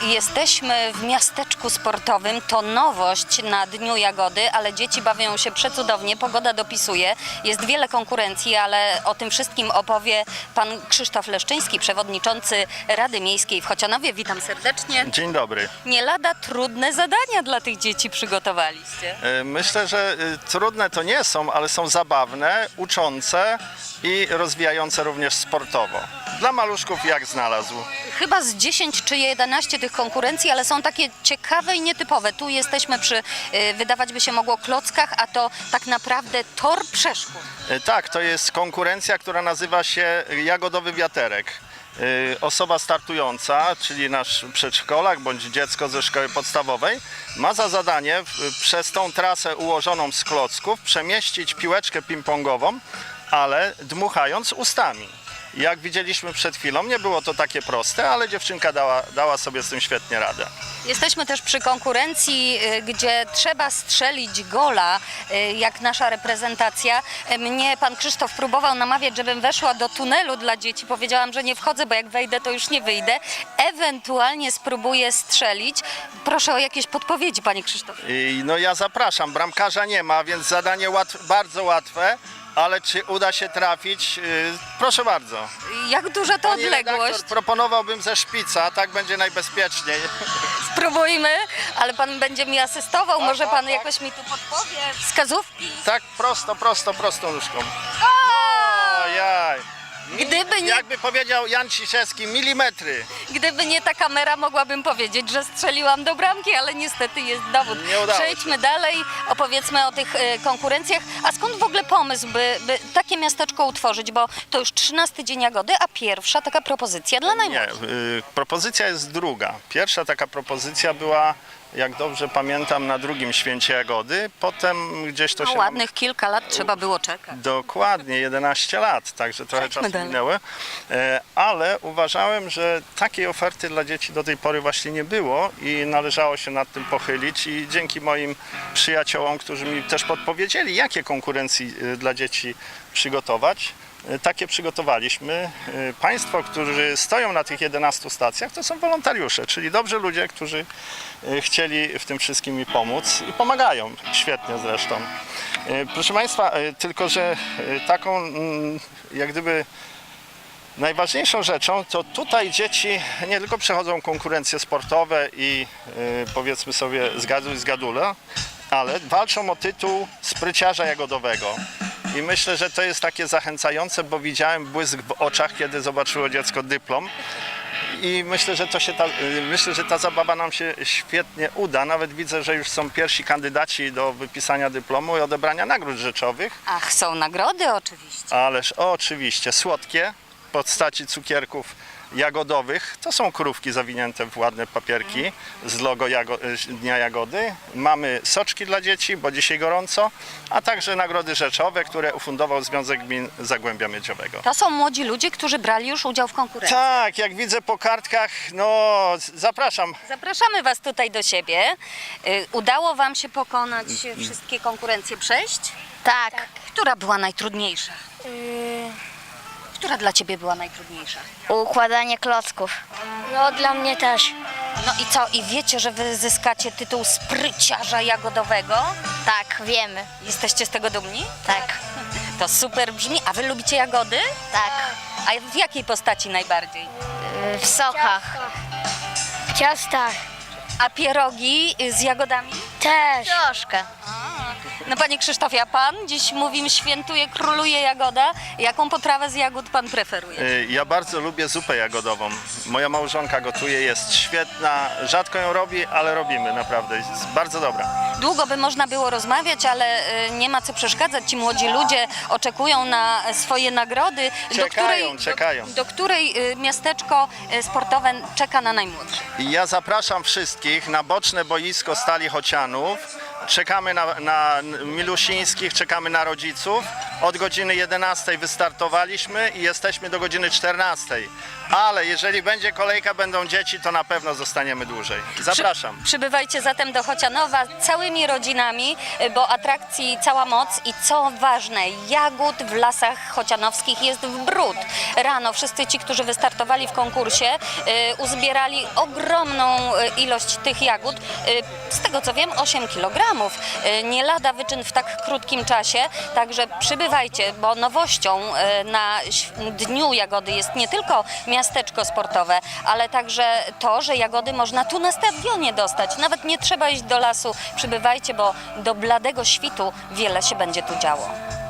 Jesteśmy w miasteczku sportowym, to nowość na Dniu Jagody, ale dzieci bawią się przecudownie, pogoda dopisuje, jest wiele konkurencji, ale o tym wszystkim opowie pan Krzysztof Leszczyński, przewodniczący Rady Miejskiej w Chocianowie. Witam serdecznie. Dzień dobry. Nie lada trudne zadania dla tych dzieci przygotowaliście. Myślę, że trudne to nie są, ale są zabawne, uczące i rozwijające również sportowo. Dla maluszków jak znalazł. Chyba z 10 czy 11 tych konkurencji, ale są takie ciekawe i nietypowe. Tu jesteśmy przy, wydawać by się mogło, klockach, a to tak naprawdę tor przeszkód. Tak, to jest konkurencja, która nazywa się Jagodowy Wiaterek. Osoba startująca, czyli nasz przedszkolak bądź dziecko ze szkoły podstawowej, ma za zadanie przez tą trasę ułożoną z klocków przemieścić piłeczkę ping-pongową, ale dmuchając ustami. Jak widzieliśmy przed chwilą, nie było to takie proste, ale dziewczynka dała sobie z tym świetnie radę. Jesteśmy też przy konkurencji, gdzie trzeba strzelić gola, jak nasza reprezentacja. Mnie pan Krzysztof próbował namawiać, żebym weszła do tunelu dla dzieci. Powiedziałam, że nie wchodzę, bo jak wejdę, to już nie wyjdę. Ewentualnie spróbuję strzelić. Proszę o jakieś podpowiedzi, panie Krzysztofie. No ja zapraszam, bramkarza nie ma, więc zadanie bardzo łatwe. Ale czy uda się trafić? Proszę bardzo. Jak duża to Pani odległość? redaktor, proponowałbym ze szpica, tak będzie najbezpieczniej. Spróbujmy, ale pan będzie mi asystował. Może pan tak. jakoś mi tu podpowie. Wskazówki? Tak prosto nóżką. Ojaj. Gdyby nie, Jakby powiedział Jan Ciszewski, milimetry. gdyby nie ta kamera, mogłabym powiedzieć, że strzeliłam do bramki, ale niestety jest dowód. Nie udało Przejdźmy dalej, opowiedzmy o tych konkurencjach. A skąd w ogóle pomysł, by takie miasteczko utworzyć? Bo to już 13 dzień Jagody, a pierwsza taka propozycja dla Nie, najmłodszych. propozycja jest druga. Pierwsza taka propozycja była, jak dobrze pamiętam, na drugim święcie Jagody. Potem gdzieś to No się... ładnych kilka lat trzeba było czekać. Dokładnie, 11 lat, także trochę Przejdźmy czasu dalej. minęły, ale uważałem, że takiej oferty dla dzieci do tej pory właśnie nie było i należało się nad tym pochylić i dzięki moim przyjaciołom, którzy mi też podpowiedzieli, jakie konkurencji dla dzieci przygotować, takie przygotowaliśmy. Państwo, którzy stoją na tych 11 stacjach, to są wolontariusze, czyli dobrzy ludzie, którzy chcieli w tym wszystkim mi pomóc i pomagają, świetnie zresztą. Proszę Państwa, tylko że taką jak gdyby najważniejszą rzeczą, to tutaj dzieci nie tylko przechodzą konkurencje sportowe i powiedzmy sobie zgaduj zgadula, ale walczą o tytuł spryciarza jagodowego. I myślę, że to jest takie zachęcające, bo widziałem błysk w oczach, kiedy zobaczyło dziecko dyplom. I myślę, że ta zabawa nam się świetnie uda. Nawet widzę, że już są pierwsi kandydaci do wypisania dyplomu i odebrania nagród rzeczowych. Ach, są nagrody oczywiście. Ależ oczywiście słodkie w postaci cukierków jagodowych. To są krówki zawinięte w ładne papierki z logo Dnia Jagody. Mamy soczki dla dzieci, bo dzisiaj gorąco, a także nagrody rzeczowe, które ufundował Związek Gmin Zagłębia Miedziowego. To są młodzi ludzie, którzy brali już udział w konkurencji. Tak, jak widzę po kartkach, no zapraszam. Zapraszamy Was tutaj do siebie. Udało Wam się pokonać wszystkie konkurencje, przejść? Tak. Która była najtrudniejsza? Która dla Ciebie była najtrudniejsza? Układanie klocków. No dla mnie też. No i co? I wiecie, że Wy zyskacie tytuł spryciarza jagodowego? Tak, wiemy. Jesteście z tego dumni? Tak. To super brzmi. A Wy lubicie jagody? Tak. A w jakiej postaci najbardziej? W sokach. W ciastach. A pierogi z jagodami? Też. Troszkę. No Panie Krzysztofie, a Pan dziś mówimy świętuje, króluje jagoda. Jaką potrawę z jagód Pan preferuje? Ja bardzo lubię zupę jagodową. Moja małżonka gotuje, jest świetna. Rzadko ją robi, ale robimy naprawdę. Jest bardzo dobra. Długo by można było rozmawiać, ale nie ma co przeszkadzać. Ci młodzi ludzie oczekują na swoje nagrody, Czekają. do której miasteczko sportowe czeka na najmłodszych. I ja zapraszam wszystkich na boczne boisko Stali Chocianów. Czekamy na milusińskich, czekamy na rodziców, Od godziny 11 wystartowaliśmy i jesteśmy do godziny 14. Ale jeżeli będzie kolejka, będą dzieci, to na pewno zostaniemy dłużej. Zapraszam. Przybywajcie zatem do Chocianowa całymi rodzinami, bo atrakcji cała moc i co ważne, jagód w lasach chocianowskich jest w bród. Rano wszyscy ci, którzy wystartowali w konkursie, uzbierali ogromną ilość tych jagód. Z tego co wiem, 8 kg. Nie lada wyczyn w tak krótkim czasie, także przybywajcie, bo nowością na Dniu Jagody jest nie tylko miasteczko sportowe, ale także to, że jagody można tu na stadionie dostać. Nawet nie trzeba iść do lasu. Przybywajcie, bo do bladego świtu wiele się będzie tu działo.